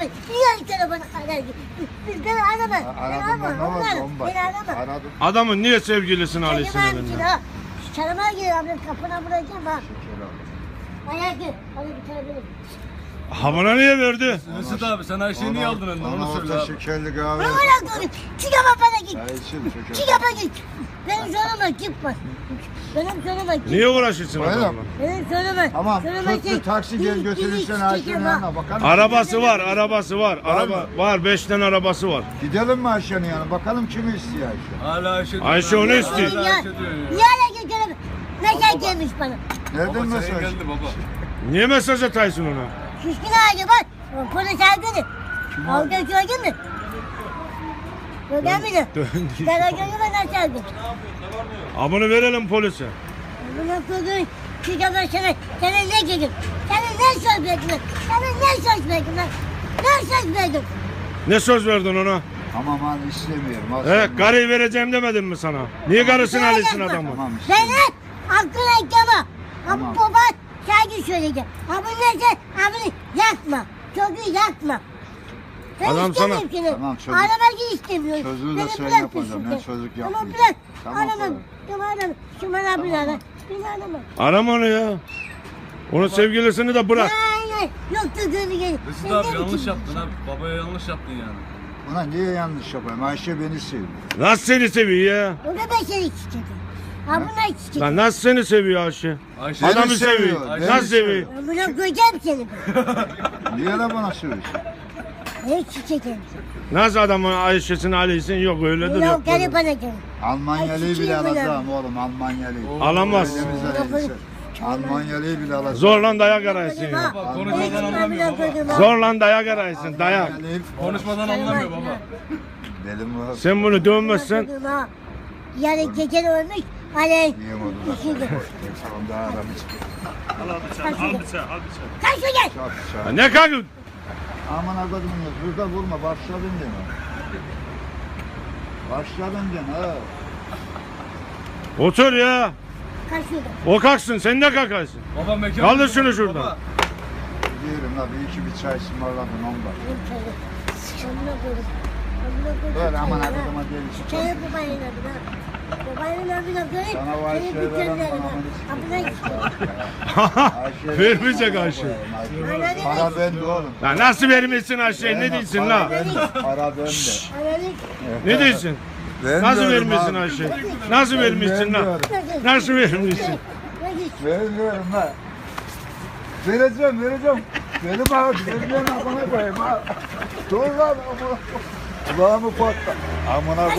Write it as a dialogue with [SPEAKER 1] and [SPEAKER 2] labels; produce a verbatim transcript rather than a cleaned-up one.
[SPEAKER 1] ben. Niye telefonu arar? Ben aramam. Ben
[SPEAKER 2] Aradım ben, ne
[SPEAKER 1] aramam.
[SPEAKER 2] oldu?
[SPEAKER 1] Ben
[SPEAKER 2] On bak.
[SPEAKER 1] aramam.
[SPEAKER 2] Aradım.
[SPEAKER 3] Adamın niye sevgilisini alıyorsun
[SPEAKER 1] Çekemem
[SPEAKER 3] elinden?
[SPEAKER 1] ki ha. Çalıma gir abla kapına vuracağım ha.
[SPEAKER 2] Şeker aldım.
[SPEAKER 1] Ayak gir. Hadi bir tane benim.
[SPEAKER 3] Ha buna niye verdi?
[SPEAKER 4] Mesut abi sen Ayşe'yi niye aldın elinden
[SPEAKER 2] Ona
[SPEAKER 4] onu söyle
[SPEAKER 2] orta
[SPEAKER 4] abi.
[SPEAKER 2] şekerli kahve.
[SPEAKER 1] Bana bırak onu. Çık ama bana git.
[SPEAKER 2] Çay için şeker.
[SPEAKER 1] Çık ama git. Benim soruma git bak. Benim soruma git.
[SPEAKER 3] Niye uğraşıyorsun
[SPEAKER 2] Bayram.
[SPEAKER 3] adamla?
[SPEAKER 1] Benim soruma.
[SPEAKER 2] Tamam,
[SPEAKER 1] soruma
[SPEAKER 2] tut bir taksi gel götürürsen Ayşe'nin yanına bakalım.
[SPEAKER 3] Arabası var, arabası var.
[SPEAKER 2] Var
[SPEAKER 3] Araba
[SPEAKER 2] mı?
[SPEAKER 3] var, beş tane arabası var.
[SPEAKER 2] Gidelim mi Ayşe'nin yanına bakalım kimi istiyor Ayşe.
[SPEAKER 4] Hala Ayşe diyor.
[SPEAKER 3] Ayşe onu
[SPEAKER 4] Hala
[SPEAKER 3] istiyor.
[SPEAKER 1] Ya,
[SPEAKER 4] Ayşe diyor ya.
[SPEAKER 1] yala götürüm. Mesaj gelmiş bana.
[SPEAKER 2] Nereden
[SPEAKER 4] Baba
[SPEAKER 2] mesaj?
[SPEAKER 4] senin geldi baba.
[SPEAKER 3] Niye mesaj ataysın ona?
[SPEAKER 1] Şişkin ağacı bak. O polis aldı. Aldı gördün mü? Gördün mü?
[SPEAKER 3] Döndü.
[SPEAKER 1] Ben o gördüm ben nasıl aldım?
[SPEAKER 3] Ha bunu verelim polise.
[SPEAKER 1] Buna koydum. Çık ama sana. Sana ne dedim? Sana ne söz verdim? Sana ne söz verdim ben? Ne söz verdim?
[SPEAKER 3] Ne söz verdin ona?
[SPEAKER 2] Tamam hadi istemiyorum. Al
[SPEAKER 3] He,
[SPEAKER 2] sen.
[SPEAKER 3] karıyı vereceğim demedim mi sana? Niye karısını alıyorsun adamı?
[SPEAKER 2] Tamam
[SPEAKER 1] Ben
[SPEAKER 2] istemiyorum.
[SPEAKER 1] hep aklına ekleme.
[SPEAKER 2] Tamam.
[SPEAKER 1] Ama baba şarkı söyleyeceğim. Ama neyse abini yakma. Çocuğu yakma. Ben
[SPEAKER 3] Adam
[SPEAKER 1] istemiyorum
[SPEAKER 3] sana-
[SPEAKER 1] seni.
[SPEAKER 2] Tamam, çocuk-
[SPEAKER 1] Arabayı istemiyorum.
[SPEAKER 2] Çocuğu da
[SPEAKER 1] Beni
[SPEAKER 2] sen
[SPEAKER 1] bırak
[SPEAKER 2] yapacaksın.
[SPEAKER 1] peşinde.
[SPEAKER 2] Ne çocuk
[SPEAKER 1] Tamam
[SPEAKER 2] yapmayacaksın.
[SPEAKER 1] bırak.
[SPEAKER 2] Tamam,
[SPEAKER 1] Aramam.
[SPEAKER 2] tamam.
[SPEAKER 1] Tamam aramam. Şu bana bir ara. Beni arama.
[SPEAKER 3] Arama onu ya. Onun sevgilisini de bırak.
[SPEAKER 1] Aynen. Yoktu gönlü gelin.
[SPEAKER 4] Mesut abi yanlış yaptın abi. Babaya yanlış yaptın yani.
[SPEAKER 2] Buna niye yanlış yapayım? Ayşe beni seviyor.
[SPEAKER 3] Nasıl seni seviyor ya?
[SPEAKER 1] O da ben seni çiçeğim. Ha bunlar çiçeğim.
[SPEAKER 3] Lan nasıl seni seviyor Ayşe?
[SPEAKER 4] Ayşe
[SPEAKER 3] Adamı
[SPEAKER 2] Beni
[SPEAKER 3] seviyor.
[SPEAKER 2] seviyor,
[SPEAKER 4] beni
[SPEAKER 3] Nasıl seviyor?
[SPEAKER 1] Ben buna koyacağım seni.
[SPEAKER 2] Niye de bana söylüyorsun?
[SPEAKER 1] Ne çiçeğim.
[SPEAKER 3] Nasıl adamın Ayşe'sini alıyorsun? Yok öyledir
[SPEAKER 1] Buna
[SPEAKER 3] yok.
[SPEAKER 1] o karı
[SPEAKER 3] böyle.
[SPEAKER 1] bana gel.
[SPEAKER 2] Almanyalıyı bile
[SPEAKER 1] çiçeğim
[SPEAKER 2] alacağım oğlum Almanyalıyı.
[SPEAKER 3] Alamaz.
[SPEAKER 2] Elimizden elbise. Almanyalıyı bile alacağım.
[SPEAKER 3] Zorla dayak araysın ya.
[SPEAKER 4] Baba konuşmadan anlamıyor baba.
[SPEAKER 3] Zorla dayak araysın dayak.
[SPEAKER 2] Almanyalıyı-
[SPEAKER 4] Konuşmadan anlamıyor baba.
[SPEAKER 2] Dedim var.
[SPEAKER 3] Sen bunu dövmezsen
[SPEAKER 1] Yani gece ölmüş. Hani
[SPEAKER 2] Niye oldu lan?
[SPEAKER 1] şimdi.
[SPEAKER 2] Tamam daha aramayacağım.
[SPEAKER 1] Kaç şu gel.
[SPEAKER 2] Çat
[SPEAKER 3] ya
[SPEAKER 2] çat.
[SPEAKER 3] ne kalkın?
[SPEAKER 2] Aman akıdımın burada vurma başladın gene. Başladın gene ha.
[SPEAKER 3] Otur ya.
[SPEAKER 1] Kaç şurada.
[SPEAKER 3] O kalksın sen ne kalkarsın?
[SPEAKER 4] Baba mekan.
[SPEAKER 3] Kaldır şunu şuradan.
[SPEAKER 4] Baba.
[SPEAKER 2] Diyorum la bir iki bir çay ısmarladın ondan.
[SPEAKER 1] Benim çayı. Amına koydum. Amına koydum.
[SPEAKER 2] Böyle aman
[SPEAKER 1] çayı, ha.
[SPEAKER 2] akıdıma deli
[SPEAKER 1] Çayı babanın adına. Babanın adına koy.
[SPEAKER 2] Sana var
[SPEAKER 1] Çayı
[SPEAKER 2] şey veren
[SPEAKER 1] bitirlerim
[SPEAKER 2] bana
[SPEAKER 1] ha.
[SPEAKER 2] bunu
[SPEAKER 1] Amına koydum.
[SPEAKER 3] Vermeyecek Ayşe.
[SPEAKER 2] Para bende oğlum.
[SPEAKER 3] Ya nasıl vermişsin Ayşe? Ne diyorsun
[SPEAKER 2] Para
[SPEAKER 3] la?
[SPEAKER 2] bende, Para bende.
[SPEAKER 1] Ananı.
[SPEAKER 3] Ne diyorsun? Nasıl
[SPEAKER 2] Vermiyorum
[SPEAKER 3] vermişsin
[SPEAKER 2] abi.
[SPEAKER 3] Ayşe? Nasıl vermişsin la?
[SPEAKER 2] Vermiyorum.
[SPEAKER 3] Nasıl vermişsin?
[SPEAKER 1] Hadi.
[SPEAKER 2] Vermiyorum ha. Vereceğim vereceğim. Benim abi vereceğim amına koyayım ha. Dur lan amına. Kulağımı patla. Amına